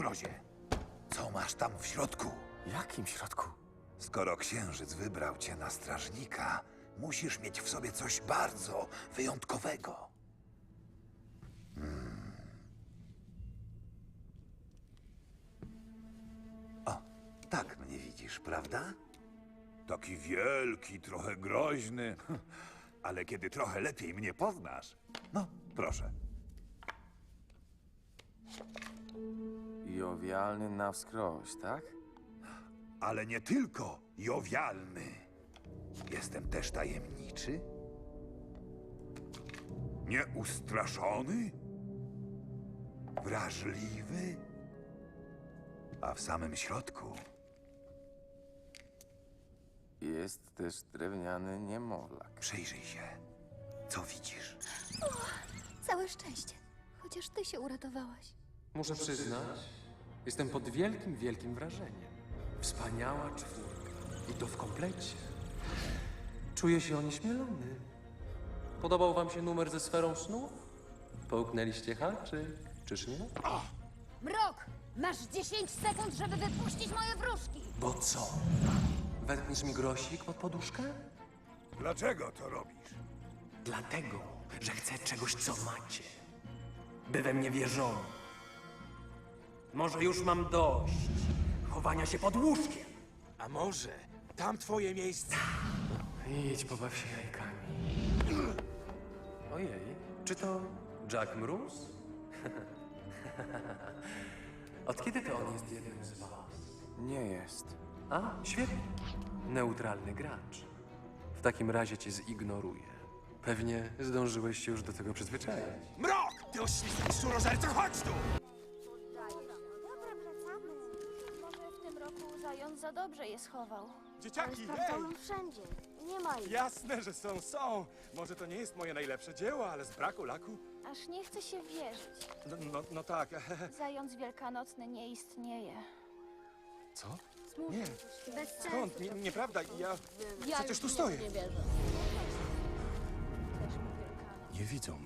mrozie. Co masz tam w środku? Jakim środku? Skoro księżyc wybrał cię na strażnika, musisz mieć w sobie coś bardzo wyjątkowego. O, tak mnie widzisz, prawda? Taki wielki, trochę groźny. Ale kiedy trochę lepiej mnie poznasz, no, proszę. Jowialny na wskroś, tak? Ale nie tylko jowialny. Jestem też tajemniczy, nieustraszony, wrażliwy, a w samym środku Jest też drewniany niemowlak. przyjrzyj się. Co widzisz? Całe szczęście. Chociaż ty się uratowałaś. Muszę przyznać, jestem pod wielkim, wielkim wrażeniem. Wspaniała czwórka. I to w komplecie. Czuję się onieśmielony. Podobał wam się numer ze sferą snów? Połknęliście haczyk, czyż nie? Mrok! Masz 10 sekund, żeby wypuścić moje wróżki! Bo co? Wetkniesz mi grosik pod poduszkę? Dlaczego to robisz? Dlatego, że chcę czegoś, co macie. By we mnie wierzono. Może już mam dość chowania się pod łóżkiem. A może tam twoje miejsce? Idź, pobaw się jajkami. Ojej, czy to Jack Mróz? Od kiedy to on jest jednym z was? Nie jest. A, świetnie. Neutralny gracz. W takim razie cię zignoruję. Pewnie zdążyłeś się już do tego przyzwyczaić. Mrok! Ty oślizgaj szczurozerco, chodź tu! Dobra, wracamy. Może w tym roku zając za dobrze je schował. Dzieciaki, hej! Sprawdzałam wszędzie. Nie ma ich. Jasne, że są. Może to nie jest moje najlepsze dzieło, ale z braku laku... Aż nie chce się wierzyć. No tak. Zając wielkanocny nie istnieje. Co? Nie, Bez skąd? Nieprawda, ja przecież tu stoję. Też mi Wielkanoc. Nie widzą